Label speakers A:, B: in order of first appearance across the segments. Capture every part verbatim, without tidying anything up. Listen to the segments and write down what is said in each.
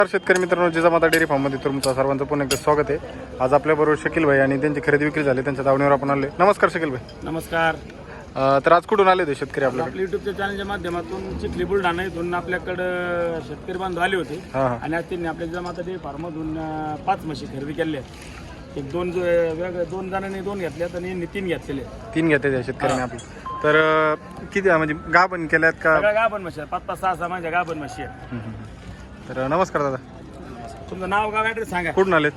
A: शेतकरी मित्रांनो, जिजामाता डेअरी फार्ममध्ये तुमचं सर्वांचं पुन्हा एकदा स्वागत आहे. आज आपल्याबरोबर शकील भाई आणि त्यांची खरेदी विक्री झाली, त्यांच्या दावणीवर आपण आले. नमस्कार शकील भाई.
B: नमस्कार.
A: तर आज कुठून आले होते शेतकरी आपल्या
B: आपल्या युट्यूबच्या चॅनलच्या माध्यमातून चिखली बुलढाणा इथून आपल्याकडं शेतकरी बांधव आले होते आणि आज त्यांनी आपल्या जिजामाता डेअरी फार्ममधून पाच म्हशी खरेदी केल्या आहेत. एक दोन वेगळ्या दोन जणांनी दोन घेतल्यात आणि यांनी तीन घेतलेले
A: तीन घेतले शेतकऱ्यांनी आपली. तर किती म्हणजे गाभण केल्यात का?
B: सगळ्या गाभण म्हशी आहेत, पाच पाच सहा सहा माझ्या गाभण म्हशी आहेत.
A: तर नमस्कार दादा,
B: तुमचं नाव गाव ॲड्रेस सांगा.
A: कुठून आलेत?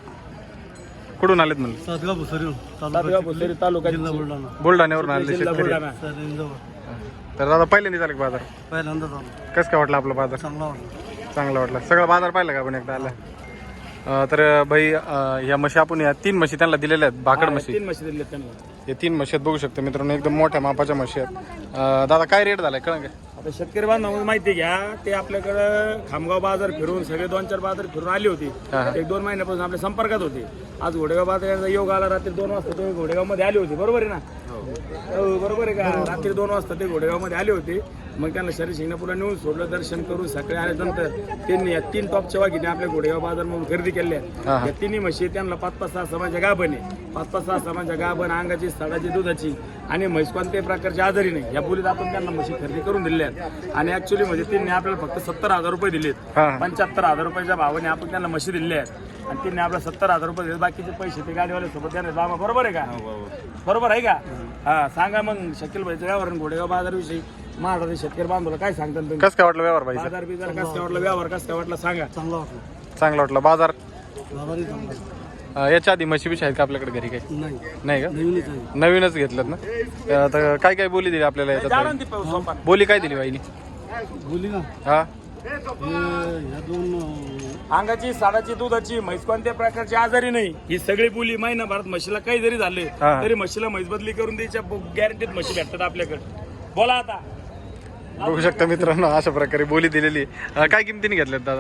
A: कुठून आलेत म्हणलं?
C: सातगाव भुसरी
B: सातगाव भुसरी तालुका
C: जिल्हा बुलढाणा.
A: बुलढाण्यावरून आले
B: जिल्हा
A: शेतकरी.
B: बुलढाणा.
C: सर इंदोर.
A: तर दादा पहिल्यांदा झाले बाजार,
C: पहिल्यांदाच आलो.
A: कसं काय वाटलं आपला बाजार?
C: चांगला वाटला.
A: चांगला वाटला. सगळा बाजार पाहिला का आपण एकदा आला? अं, तर भाई अं, या म्हशी आपण या तीन म्हशी त्यांना दिलेल्या आहेत, भाकड म्हशी.
B: तीन म्हशी दिल्या त्यांना.
A: हे तीन म्हशी आहेत, बघू शकता मित्रांनो, एकदम मोठ्या मापाच्या म्हशी आहेत. अं, दादा काय रेट झालाय कळंन का?
B: आता शेतकरी बांधव माहिती घ्या, ते आपल्याकडं खामगाव बाजार फिरून सगळे दोन चार बाजार फिरून आली होती. एक दोन महिन्यापासून आपल्या संपर्कात होते. आज घोडेगाव बाजाराचा योग आला, रात्री दोन वाजता ते घोडेगाव मध्ये आले होते, बरोबर आहे ना? हो बरोबर आहे का? रात्री दोन वाजता ते घोडेगाव मध्ये आले होते. मग त्यांना शरीर शिंगणापूरला नेऊन सोडलं, दर्शन करून सकाळी आल्यानंतर त्यांनी या तीन टॉपच्या वाघिणी आपल्या घोडेगाव बाजार म्हणून खरेदी केल्या. या तिन्ही म्हशी त्यांना पाच पाच सहा समाजा गाभण आहे, पाच पाच सहा समाजा गाभण, अंगाची साडाची दुधाची आणि म्हैस कोणत्याही प्रकारची आजारी नाही. या बोलीत आपण त्यांना म्हशी खरेदी करून दिल्या आहेत. आणि ऍक्च्युली म्हणजे त्यांनी आपल्याला फक्त सत्तर हजार रुपये दिलेत. पंच्याहत्तर हजार रुपयाच्या भावाने आपण त्यांना म्हशी दिल्या आहेत आणि त्यांनी आपल्याला सत्तर हजार रुपये दिले. बाकीचे पैसे ते गाडीवाल्या सोबत त्यांना बाबा, बरोबर आहे का? बरोबर आहे का? हा सांगा मग शकील भाईचं व्यवहार घोडेगाव बाजारविषयी महाराष्ट्र शेतकरी बांधवला काय सांगतात तुम्ही?
A: कसं काय वाटलं व्यवहार भाई?
B: बाजार बिजार कसं काय वाटलं, व्यवहार कसं काय वाटलं सांगा.
C: चांगला वाटला.
A: चांगला वाटला बाजार.
C: बाजारही चांगला आहे.
A: अं, याच्या आधी म्हशी बिशी आहेत का आपल्याकडे घरी? काही
C: नाही,
A: नाही का?
C: नवीनच आहे.
A: नवीनच घेतलं ना? अं, तर काय काय बोली दिली आपल्याला याच्यात? बोली काय दिली बाईनी?
C: बोली ना,
A: हा
C: हे ह्या दोन अं,
B: अंगाची साडाची दुधाची म्हैस कोणत्या प्रकारची आजारी नाही. ही सगळी बोली महिनाभरात म्हशीला काही जरी झाले
A: हा.
B: तरी म्हशीला म्हैस बदली करून द्यायच्या गॅरंटीत म्हशी भेटतात आपल्याकडे. बोला आता.
A: बघू शकता मित्रांनो, अशा प्रकारे बोली दिलेली आहे. अं, काय किमतीने घेतल्यात दादा?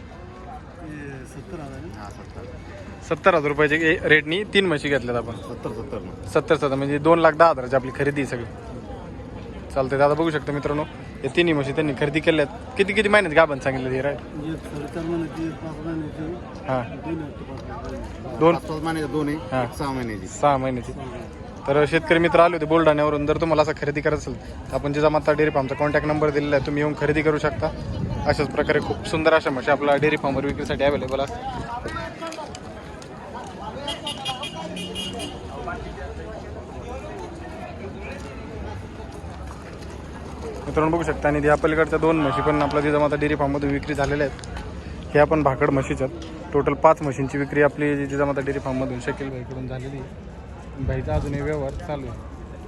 C: हे सत्तर हजार आहे.
A: सत्तर हजार रुपयाचे रेटनी तीन म्हशी घेतल्यात आपण.
C: सत्तर सत्तर
A: सत्तर सत्तर म्हणजे दोन लाख दहा हजाराची आपली खरेदी आहे सगळी. चालते दादा, बघू शकता मित्रांनो, हे तिन्ही म्हशी त्यांनी खरेदी केल्यात. किती किती महिन्यात गाभण सांगितलं ते राय?
C: एक साडेचार महिन्याची, पाच महिन्याची,
A: हां
C: तीन आहेत, पाच महिन्याची.
A: दोन
C: पाच महिन्याची दोन आहे,
A: हां
C: एक सहा महिन्याची.
A: सहा महिन्याची. तर शेतकरी मित्र आले होते बुलढाण्यावरून. जर तुम्हाला असं खरेदी करायचं असेल तर आपण जिजामाता डेअरी फार्मचा कॉन्टॅक्ट नंबर दिलेला आहे, तुम्ही येऊन खरेदी करू शकता. अशाच प्रकारे खूप सुंदर अशा म्हशी आपला डेअरी फार्मवर विक्रीसाठी अवेलेबल असतात. मित्रांनो बघू शकता. आणि या पलीकडच्या दोन म्हशी पण आपल्या जिजामाता डेअरी फार्ममध्ये विक्री झालेल्या आहेत. हे आपण भाकड म्हशीच्यात. टोटल पाच म्हशींची विक्री आपली जिजामाता डेअरी फार्ममधून शकील भाईकडून झालेली आहे. भाईचा अजूनही व्यवहार चालू आहे.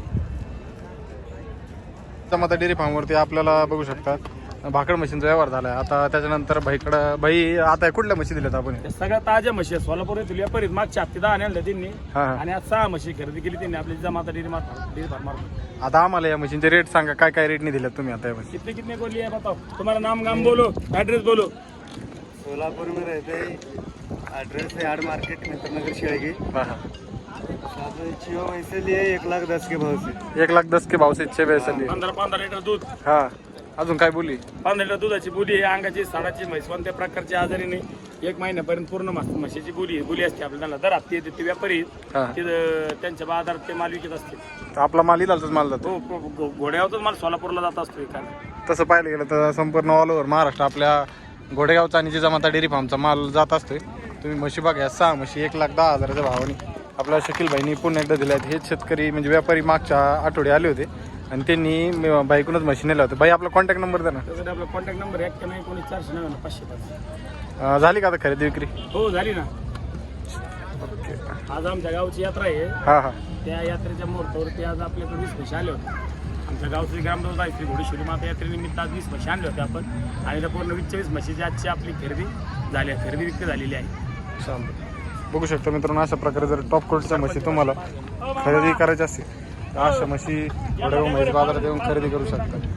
A: जिजामाता डेअरी फार्मवरती आपल्याला बघू शकता भाकड म्हशींचा व्यवहार झाला आहे. आता त्याच्यानंतर भाईकडं भाई आता कुठल्या म्हशी दिल्यात आपण?
B: सगळ्या ताज्या म्हशी आहेत. सोलापूर येथील व्यापारी मागच्या हप्ते दहा आणल्या त्यांनी
A: हां
B: आणि आज सहा म्हशी खरेदी केली त्यांनी आपली जिजामाता डेअरी डेअरी फार्म.
A: आता आम्हाला या म्हशींचे रेट सांगा, काय काय रेटने दिल्यात तुम्ही आता या म्हशी?
B: कितने कितने बोली है बताओ, तुम्हारा नाम गाम बोलो, एड्रेस बोलो.
C: सोलापुर में रहते हैं, एड्रेस है आड़ मार्केट में नगर शिवागी.
A: हां हां
C: छः वैसे लिए एक लाख दस के भाव से.
A: एक लाख दस के भाव से छे पैसे लिए.
B: पंधरा पंधरा लिटर दूध,
A: हां अजून काय बोली?
B: पंधरा लिटर दुधाची बोली आहे. अंगाची साडाची म्हैस कोणत्या प्रकारची आजारी नाही. एक महिन्यापर्यंत पूर्ण म्हस- म्हशीची बोली बोली असते आपल्याला. दर हप्ते येते ते व्यापारी
A: हां
B: ते त्यांच्या बाजारात ते माल विकत असते.
A: तर आपला माल इलालचाच माल जातो.
B: हो घो- घोड्यावरच माल सोलापूरला जात असतो एखादा.
A: तसं पाहिलं गेलं तर संपूर्ण ऑल ओव्हर महाराष्ट्र आपल्या घोडेगावचा आणि जिजामाता डेअरी फार्मचा माल जात असतोय. तुम्ही म्हशी बघा, सहा म्हशी एक लाख दहा हजाराच्या भावाने आपल्या शकील भाईनी पुन्हा एकदा दिल्या आहेत. हेच शेतकरी म्हणजे व्यापारी मागच्या आठवडे आले होते आणि त्यांनी बाईकूनच म्हशी नेल्या होत्या. बाई आपला कॉन्टॅक्ट नंबर द्या ना.
B: त्यासाठी आपला कॉन्टॅक्ट नंबर एक नाही एकोणीस चारशे नव्याण्णव पाचशे पाच.
A: अं, झाली का आता खरेदी विक्री?
B: हो झाली ना.
A: ओके.
B: आज आमच्या गावची यात्रा आहे.
A: हां हां
B: त्या यात्रेच्या मुहूर्तावरती आज आपल्याकडे वीस म्हशी आले होते. आमच्या गावची ग्रामदेवता आहे श्री घोडेश्वरी माता यात्रेनिमित्त आज वीस म्हशी आणले होते आपण आणि त्या पूर्ण वीस चोवीस म्हशीची आजची आपली खरेदी झाली आहे, खरेदी विक्री झालेली आहे.
A: चालतं. बघू शकता मित्रांनो, अशा प्रकारे जर टॉप क्वालिटीच्या म्हशी तुम्हाला खरेदी करायची असतील तर अशा म्हशी घोडेगाव म्हैस बाजारात येऊन खरेदी करू शकता.